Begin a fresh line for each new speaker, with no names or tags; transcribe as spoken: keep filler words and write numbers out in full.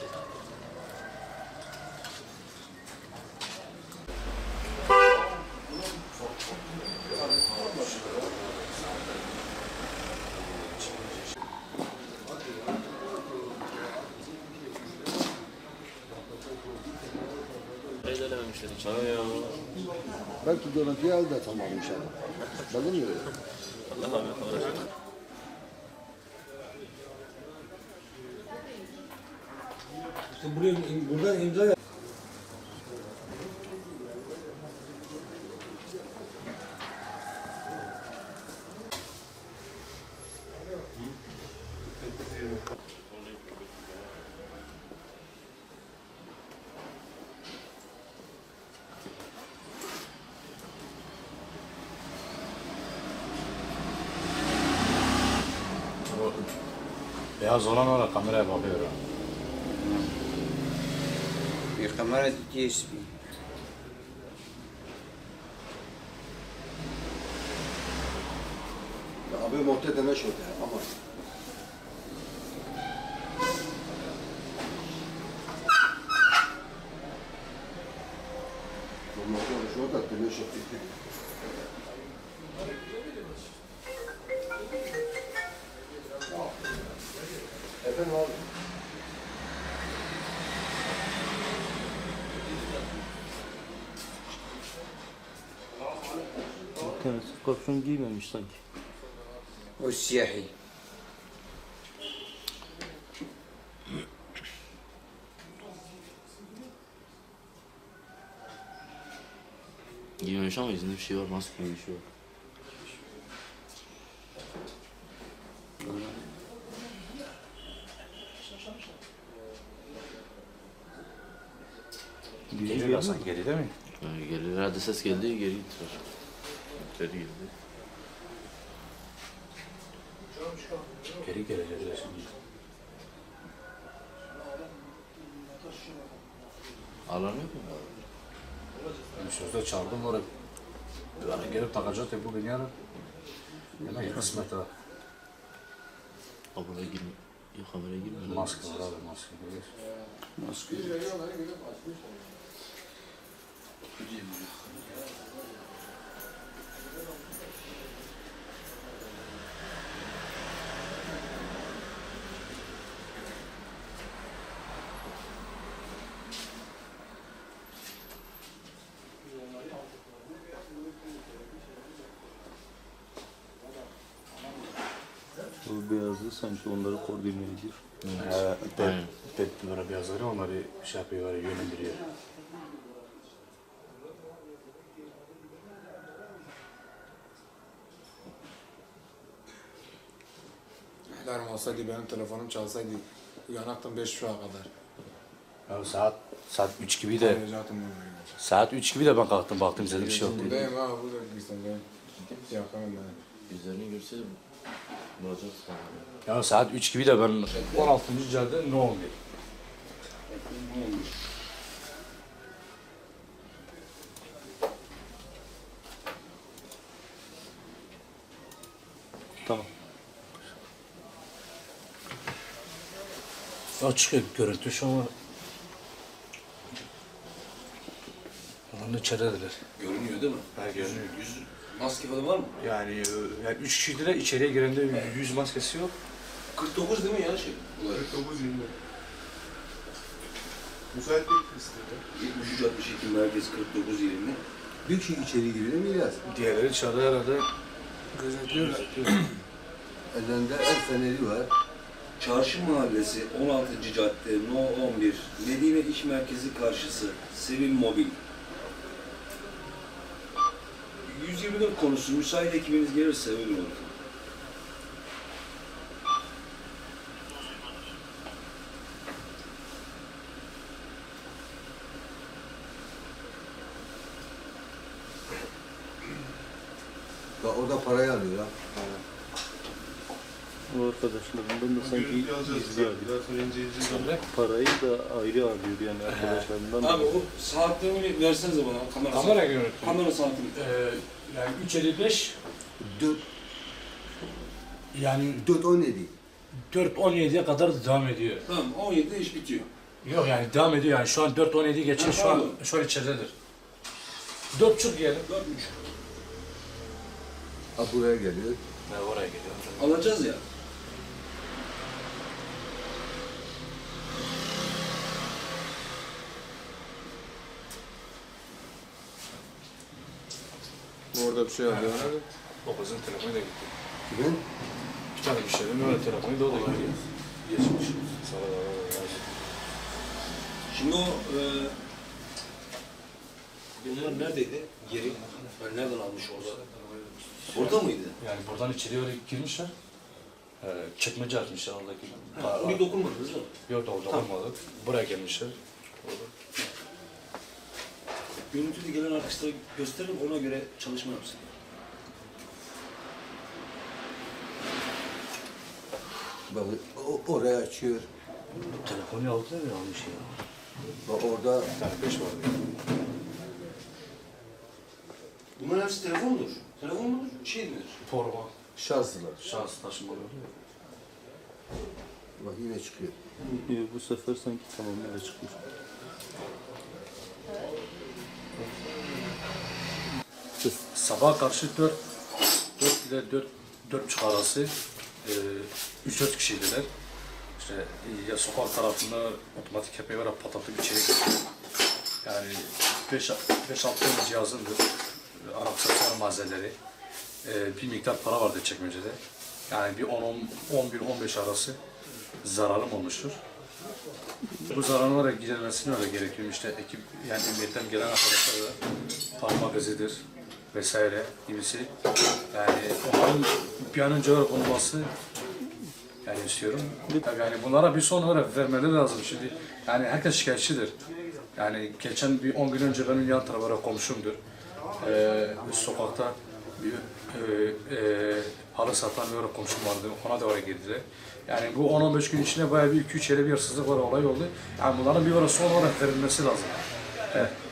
Belki görüntüyü elde tamam inşallah. Bakın mı?
Allah rahmet
İşte buraya, buradan imza yap.
Beyaz olan orada kameraya bakıyor.
Bir kamera G S P.
Abi muhte deme şöyle ama. Muhte şöyle deme şöyle. Efendim abi.
Kendisi kapşon giymemiş sanki.
O siyahi.
Giymemiş ama yüzünde bir şey var, maske gibi bir şey var.
Geliyor sanki geri değil mi?
Yani gelir, herhalde ses geldi, geri gittiler. Geri geldi.
Geri gelecekler şimdi.
Alan yok mu?
Ben sözde çağırdım oraya. Yani gelip takacak ya bugün yarın. Demek kısmet ha.
Abone girme. Yok kameraya girme.
Maske var abi maske.
Maske.
O beyazlı sanki onları koordine ediyor.
Evet. Aynen. Böyle beyazları onları şey yapıyor, yönlendiriyor.
Alarm olsaydı benim telefonum çalsaydı uyanaktım beş şu'a kadar.
Ya saat saat üç gibi de
Zaten
saat üç gibi de ben kalktım baktım izledim bir şey yok dedi.
buradayım ha burada gitsin ben. Yakamam ben.
Yüzlerini görse bulacak sana.
Ya saat üç gibi de ben on altıncı cadde ne oldu?
Tamam.
Açık görüntü şu an. Onun içerideler.
Görünüyor değil mi?
Ha görünüyor.
Yüz maske falan var mı?
Yani, e, yani üç kişiydiler içeriye girende yüz maskesi yok.
kırk dokuz değil mi ya şey?
kırk dokuz yirmi.
Müsait değil kısmında. yetmiş üç altmış iki merkez kırk dokuz yirmi.
Bir kişi içeri giriyor mu İlyas?
Diğerleri dışarıda herhalde
Gözetliyorlar.
Ellerinde el feneri var.
Çarşı Mahallesi on altıncı cadde No on bir Medine İş Merkezi karşısı Sevil Mobil. yüz yirmi dört konusu müsait ekibiniz gelirse öyle olur.
Bak orada parayı alıyor ha.
O arkadaşlarından da sanki izliyor. Parayı da ayrı alıyor yani arkadaşlarından.
Abi o saatlerini versenize bana kamera
kamera
saati.
görüntü.
Kamera saatini.
Ee, yani üç elli beş
Dört,
yani
dört on yedi.
dört on yediye kadar devam ediyor.
Tamam on yedide iş bitiyor.
Yok yani devam ediyor yani. Şu an dört on yedi geçiyor. Şu an şu an içeridedir. dört buçuk diyelim.
Dört buçuk.
Ha buraya geliyor.
Ne oraya geliyor.
Alacağız ya.
Orada bir şey alıyor.
O kızın telefonu da gitti.
Kimin?
Bir tane müşterinin öyle telefonu da o da gitti. Geçmiş. Sana da
Şimdi o e, bunlar neredeydi? Yeri. Ben nereden almış orada? Orada mıydı?
yani buradan içeriye öyle girmişler. Ee, çekmece açmışlar oradaki.
Ha, oraya dokunmadınız değil mi?
Yok da orada olmadı. Buraya gelmişler. Orada.
Görüntüde gelen arkadaşlara gösterelim, ona göre çalışma yapsın.
Bak o, oraya açıyor.
Telefonu aldılar ya almış ya.
Bak orada
Bir tane beş vardı.
Bunların hepsi telefondur. Telefon mudur? Şey midir?
Forma.
şanslılar.
Şans taşımalı oluyor.
Bak yine çıkıyor.
Yok, bu sefer sanki tamamıyla çıkmış.
Sabah karşı dört, dört ile dört, dört buçuk arası e, üç dört kişiydiler. İşte e, ya sokak tarafında otomatik kepeği var, patlatıp içeri girdi. Yani beş altı tane cihazındır, e, aksesuar malzemeleri, e, bir miktar para vardı çekmecede. Yani bir on on bir on beş arası zararım olmuştur. Bu zararın olarak giderilmesine öyle gerekiyor. İşte ekip, yani emniyetten gelen arkadaşlar da parmak izidir vesaire gibisi. Yani onların bir an önce olarak olması yani istiyorum. Tabii yani bunlara bir son olarak vermeleri lazım şimdi. Yani herkes şikayetçidir. Yani geçen bir on gün önce benim yan tarafa komşumdur. Ee, sokakta bir e, e, halı satan bir komşum vardı. Ona da oraya girdiler. Yani bu on on beş gün içinde bayağı bir iki üç yere bir hırsızlık var, olay oldu. Yani bunların bir ara son olarak verilmesi lazım. Evet.